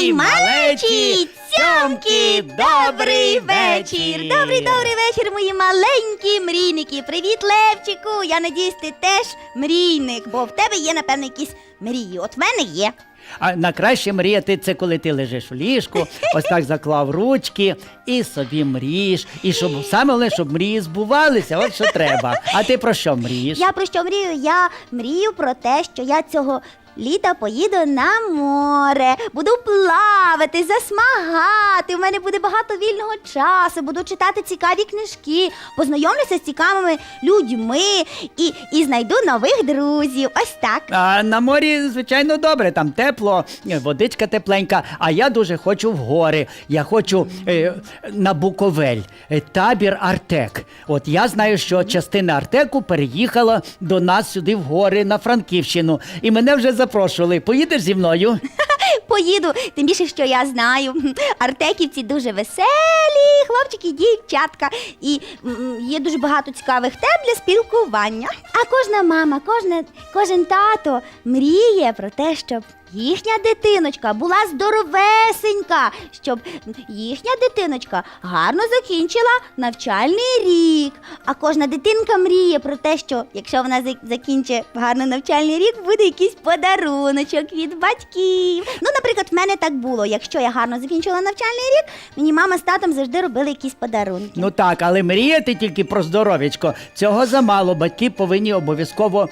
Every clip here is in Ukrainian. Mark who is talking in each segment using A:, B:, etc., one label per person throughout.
A: Мої малечі цьомки, добрий вечір! Добрий вечір, мої маленькі мрійники! Привіт, Левчику! Я надіюсь, ти теж мрійник, бо в тебе є, напевно, якісь мрії. От в мене є.
B: А найкраще мріяти – це коли ти лежиш в ліжку, ось так заклав ручки і собі мрієш. І щоб саме головне, щоб мрії збувалися, от що треба. А ти про що мрієш?
A: Я про що мрію? Я мрію про те, що я цього літа поїду на море, буду плавати, засмагати, в мене буде багато вільного часу, буду читати цікаві книжки, познайомлюся з цікавими людьми і знайду нових друзів. Ось так.
B: А на морі, звичайно, добре, там тепло, водичка тепленька, а я дуже хочу в гори. Я хочу на Буковель, табір Артек. От я знаю, що частина Артеку переїхала до нас сюди в гори, на Франківщину, і мене вже запрошували. Поїдеш зі мною?
A: Поїду, тим більше, що я знаю, артеківці дуже веселі, хлопчики, дівчатка, і є дуже багато цікавих тем для спілкування. А кожна мама, кожен тато мріє про те, щоб їхня дитиночка була здоровесенька, щоб їхня дитиночка гарно закінчила навчальний рік. А кожна дитинка мріє про те, що якщо вона закінчить гарно навчальний рік, буде якийсь подаруночок від батьків. Ну, наприклад, в мене так було. Якщо я гарно закінчила навчальний рік, мені мама з татом завжди робили якісь подарунки.
B: Ну так, але мріяти тільки про здоров'ячко. Цього замало. Батьки повинні обов'язково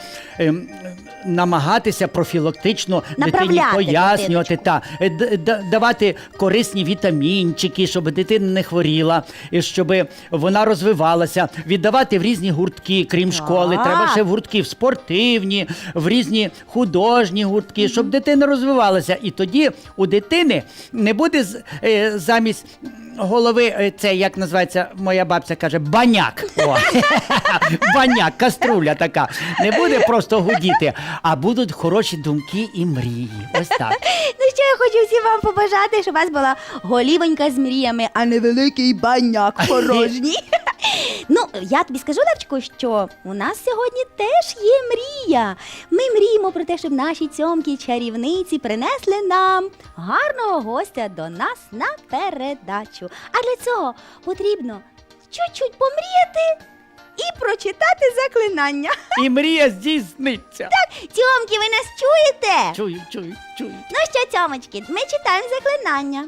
B: намагатися профілактично дитині пояснювати, давати корисні вітамінчики, щоб дитина не хворіла, і щоб вона розвивалася, віддавати в різні гуртки, крім школи. Треба ще в гуртки в спортивні, в різні художні гуртки, щоб дитина розвивалася. І тоді у дитини не буде замість голови, це, як називається, моя бабця каже, баняк. О, баняк, каструля така. Не буде просто гудіти, а будуть хороші думки і мрії. Ось так.
A: Ну що, я хочу всім вам побажати, щоб у вас була голівонька з мріями, а не великий баняк порожній. Ну, я тобі скажу, Левчику, що у нас сьогодні теж є мрія. Ми мріємо про те, щоб наші цьомки-чарівниці принесли нам гарного гостя до нас на передачу. А для цього потрібно чуть-чуть помріяти і прочитати заклинання.
B: І мрія здійсниться.
A: Так, цьомки, ви нас чуєте?
B: Чую.
A: Ну що, цьомочки, ми читаємо заклинання.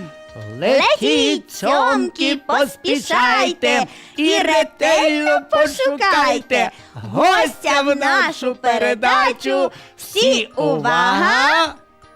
B: Летіть, цьомки, поспішайте і ретельно пошукайте гостя в нашу передачу. Всі увага!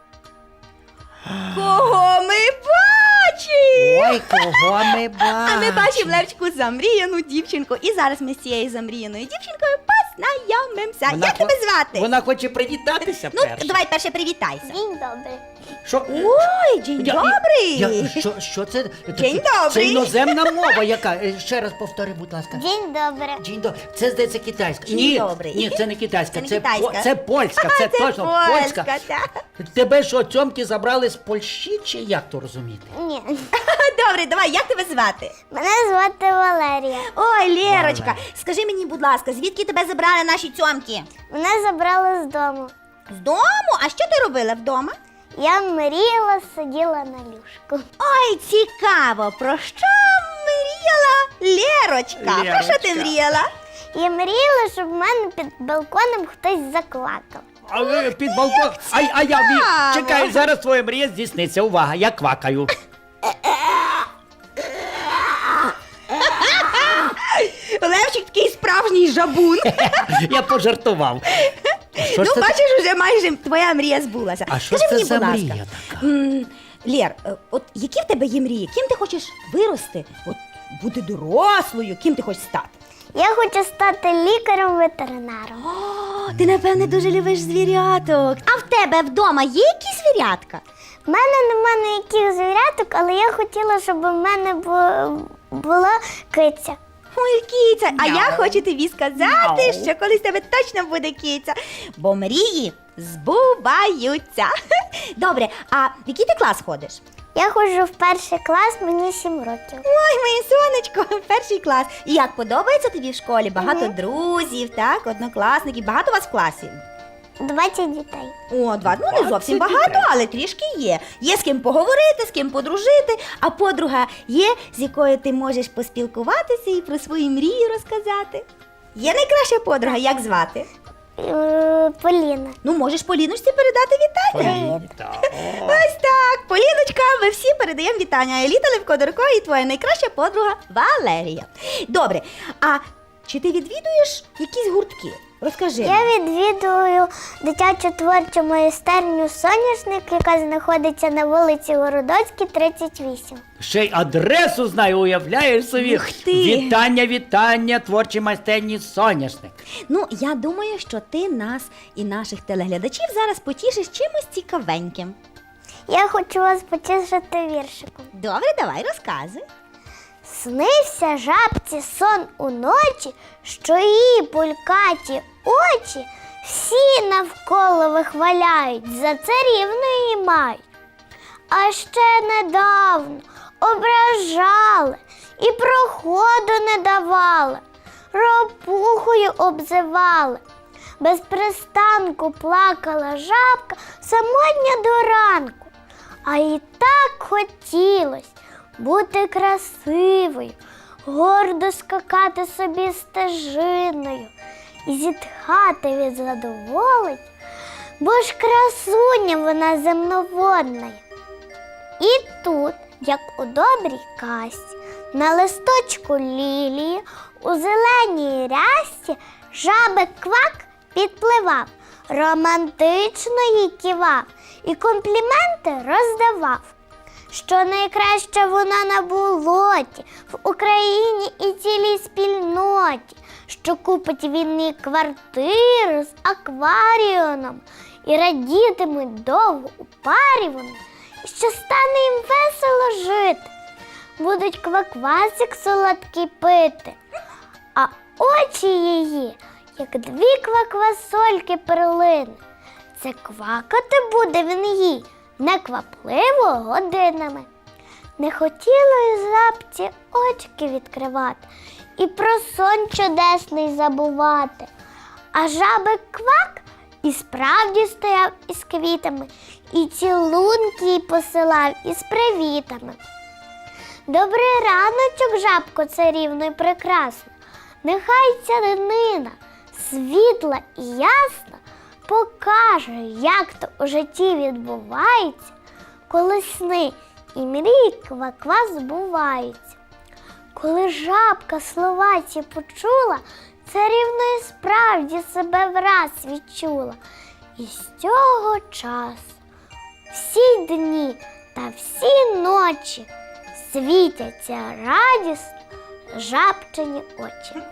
A: Кого ми бачимо?
B: Ой, кого ми бачимо?
A: А ми бачимо, Левчику, замріяну дівчинку. І зараз ми з цією замріяною дівчинкою познайомимося. Як тебе звати?
B: Вона хоче привітатися
A: Ну,
B: перше.
A: давай перше привітайся.
C: День добрий.
B: Що?
A: Ой, день добрий.
B: Що це?
A: День
B: Це
A: добрий.
B: іноземна мова яка? Ще раз повтори, будь ласка.
C: День добрий.
B: День добрий. Це, здається, китайська.
A: День добрий.
B: Ні, це не китайська.
A: Це не китайська.
B: Це польська, це точно польська.
A: так.
B: Тебе що, цьомки забрали з Польщі, чи як то розуміти?
C: Ні.
A: Добре, давай, як тебе звати?
C: Мене звати Валерія.
A: Ой, Лєрочка,
B: Валерія.
A: скажи мені, будь ласка, звідки тебе забрали наші цьомки?
C: Мене забрали з дому.
A: З дому? А що ти робила вдома?
C: Я мріяла, сиділа на ліжку.
A: Ой, цікаво, про що мріяла Лєрочка? Про що ти
B: Лєрочка.
A: мріяла?
C: Я мріяла, щоб в мене під балконом хтось заклакав.
B: А ви під балкон. А я чекай, зараз твоя мрія здійсниться. Увага, я квакаю.
A: Левчик такий справжній жабун.
B: Я пожартував. Що ж
A: Ну,
B: це?
A: бачиш, вже майже твоя мрія збулася.
B: А що
A: Скажи
B: це
A: мені,
B: за
A: будь ласка,
B: мрія така?
A: Лєр, от які в тебе є мрії? Ким ти хочеш вирости? От бути дорослою, ким ти хочеш стати?
C: Я хочу стати лікарем-ветеринаром.
A: О, ти, напевне, дуже любиш звіряток. А в тебе вдома є якісь звірятка?
C: В мене нема ніяких звіряток, але я хотіла, щоб у мене була киця.
A: Ой, киця, а я
B: Мяу.
A: хочу тобі сказати,
B: Мяу.
A: що колись в тебе точно буде киця, бо мрії збуваються. Добре, а в який ти клас ходиш?
C: Я ходжу в перший клас, мені 7 років.
A: Ой, моє сонечко, перший клас. І як подобається тобі в школі? Багато друзів, так, однокласників, багато у вас в класі?
C: 20 дітей.
A: О, ну не зовсім багато, але трішки є. Є з ким поговорити, з ким подружити, а подруга є, з якою ти можеш поспілкуватися і про свої мрії розказати. Є найкраща подруга, як звати?
C: Поліна.
A: Ну, можеш Поліночці передати вітання. Ось так, Поліночка, ми всі передаємо вітання. Еліта Левко-Дурко і твоя найкраща подруга Валерія. Добре, а чи ти відвідуєш якісь гуртки? Розкажи.
C: Я відвідую дитячу творчу майстерню «Соняшник», яка знаходиться на вулиці Городоцькій, 38.
B: Ще й адресу знаю, уявляєш собі.
A: Ух ти.
B: Вітання, творчій майстерні «Соняшник».
A: Ну, я думаю, що ти нас і наших телеглядачів зараз потішиш чимось цікавеньким.
C: Я хочу вас потішити віршиком.
A: Добре, давай, розказуй.
C: Снився жабці сон уночі, що її пулькаті очі всі навколо вихваляють, за царівну її мають. А ще недавно ображали і проходу не давали, ропухою обзивали. Без пристанку плакала жабка самотня до ранку, а їй так хотілось бути красивою, гордо скакати собі стежиною і зітхати від задоволень, бо ж красуня вона земноводна. І тут, як у добрій казці, на листочку лілії, у зеленій рясці жабик Квак підпливав, романтично їй кивав і компліменти роздавав. Що найкраще вона на болоті, в Україні і цілій спільноті, що купить він їй квартиру з акваріумом, і радітимуть довго у парі вони, і що стане їм весело жити. Будуть кваквасик солодкий пити, а очі її, як дві кваквасольки перлини. Це квакати буде він їй неквапливо годинами. Не хотіло й жабці очки відкривати і про сон чудесний забувати. А жабик Квак і справді стояв із квітами, і цілунки їй посилав із привітами. Добрий раночок, жабко царівно й прекрасна, нехай ця днина світла і ясна покаже, як то у житті відбувається, коли сни і мрії ква-ква збуваються. Коли жабка слова ці почула, царівно і справді себе враз відчула. І з цього часу всі дні та всі ночі світяться радісно жабчині очі.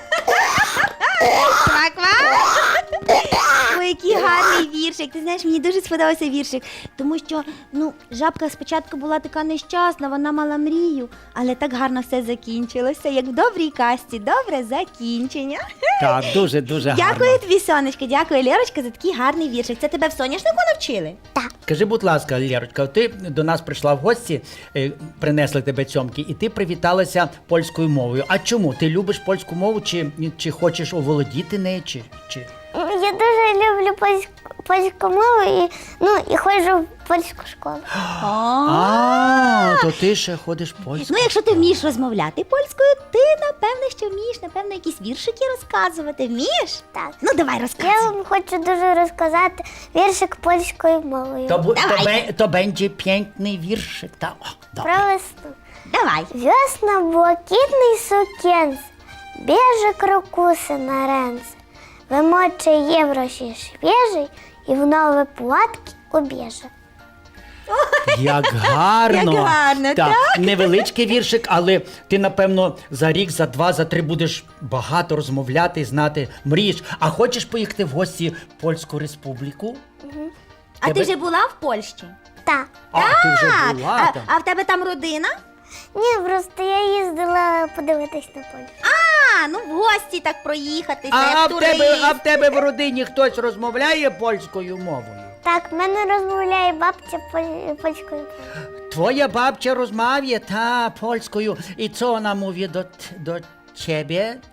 A: Ква-ква! Ой, який гарний віршик. Ти знаєш, мені дуже сподобався віршик, тому що, жабка спочатку була така нещасна, вона мала мрію, але так гарно все закінчилося, як в добрій казці, добре закінчення.
B: Так, дуже гарно.
A: Дякую тобі, сонечко, дякую, Лєрочка, за такий гарний віршик. Це тебе в соняшнику навчили?
C: Так.
B: Скажи, будь ласка, Лєрочка, ти до нас прийшла в гості, принесли тебе цьомки, і ти привіталася польською мовою. А чому? Ти любиш польську мову, чи хочеш оволодіти нею, чи?
C: Я дуже люблю польську мову і ходжу в польську школу.
B: То ти ще ходиш польською.
A: Ну, якщо ти вмієш розмовляти польською, ти, напевне, що вмієш, напевно, якісь віршики розказувати. Вмієш?
C: Так.
A: Ну, давай, розказуй.
C: Я вам хочу дуже розказати віршик польською мовою.
B: То będzie piękny wierszyk.
C: Про весну.
A: Давай.
C: Весна блакитний сукенце, біже крокуси на ренце, вимоче євроші свіжий і в нові платки убіже.
B: Як гарно.
A: Як гарно, так?
B: Невеличкий віршик, але ти, напевно, за рік, за два, за три будеш багато розмовляти, знати, мрієш. А хочеш поїхати в гості в Польську Республіку?
A: А ти вже була в Польщі?
C: Так.
B: Ти вже була там.
A: А в тебе там родина?
C: Ні, просто я їздила подивитись на Польщу.
A: В гості так проїхатися,
B: А
A: як турист.
B: в тебе в родині хтось розмовляє польською мовою?
C: Так, в мене розмовляє бабця польською мовою.
B: Twoja babcia rozmawia, pольською. І co вона mówi do ciebie?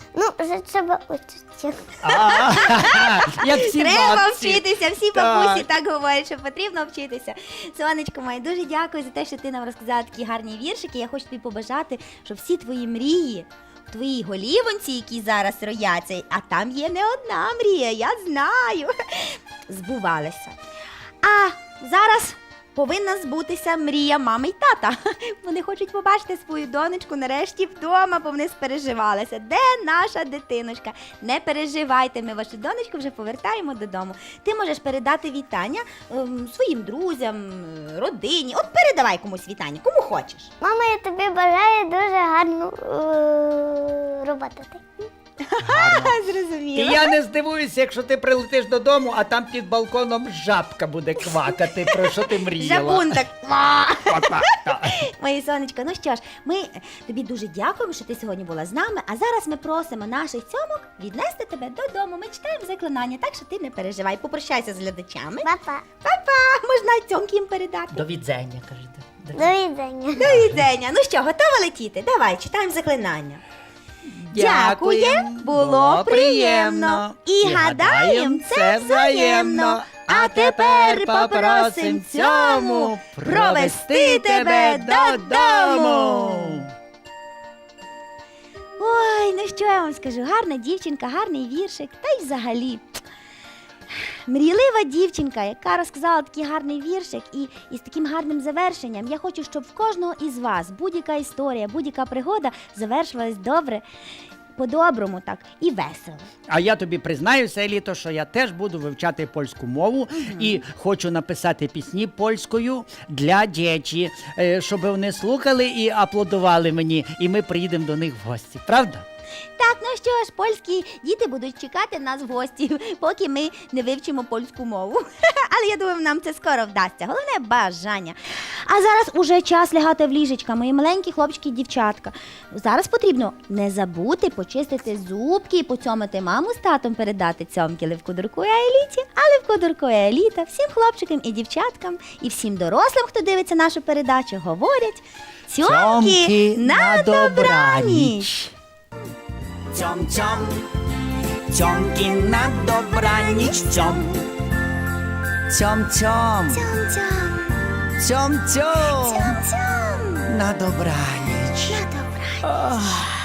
C: Ну, вже треба учитися.
B: Як всі
A: Треба
B: бабці.
A: вчитися, всі
B: Так.
A: бабусі так говорять, що потрібно вчитися. Сонечко моє, дуже дякую за те, що ти нам розказала такі гарні віршики. Я хочу тобі побажати, щоб всі твої мрії в твоїй голівонці, які зараз рояться, а там є не одна мрія, я знаю, збувалися. А зараз повинна збутися мрія мами й тата. Вони хочуть побачити свою донечку нарешті вдома, бо вони спереживалися. Де наша дитиночка? Не переживайте, ми вашу донечку вже повертаємо додому. Ти можеш передати вітання своїм друзям, родині. От передавай комусь вітання, кому хочеш.
C: Мама, я тобі бажаю дуже гарну роботу.
B: І
A: Зрозуміло.
B: я не здивуюся, якщо ти прилетиш додому, а там під балконом жабка буде квакати, про що ти мріяла.
A: Жабун так.
B: Так.
A: Моє сонечко, ну що ж, ми тобі дуже дякуємо, що ти сьогодні була з нами. А зараз ми просимо наших цьомок віднести тебе додому. Ми читаємо заклинання, так що ти не переживай. Попрощайся з глядачами.
C: Папа,
A: Па-па! Можна цьомки їм передати.
B: До відзення, кажете.
C: до відання.
A: До відзення. Ну що, готова летіти? Давай, читаємо заклинання. Дякуєм, було приємно. І гадаєм, це взаємно. А тепер попросим цьому провести тебе додому. Ой, ну що я вам скажу, гарна дівчинка, гарний віршик, та й взагалі. Мрійлива дівчинка, яка розказала такий гарний віршик і з таким гарним завершенням. Я хочу, щоб в кожного із вас будь-яка історія, будь-яка пригода завершилась добре, по-доброму так і весело.
B: А я тобі признаюся, Еліто, що я теж буду вивчати польську мову і хочу написати пісні польською для дітей, щоб вони слухали і аплодували мені, і ми приїдемо до них в гості. Правда?
A: Так, ну що ж, польські діти будуть чекати нас в гості, поки ми не вивчимо польську мову. Але я думаю, нам це скоро вдасться. Головне бажання. А зараз уже час лягати в ліжечка, мої маленькі хлопчики і дівчатка. Зараз потрібно не забути почистити зубки, поцьомити маму з татом, передати цьомки Левку Дурку і Еліті, а Левку Дурку і Еліта всім хлопчикам і дівчаткам, і всім дорослим, хто дивиться нашу передачу, говорять цьомки на добраніч.
D: Ciom, ciomki na dobranic, ciom. Ciom, ciom, ciom, ciom, na dobranic.
C: На добраніч.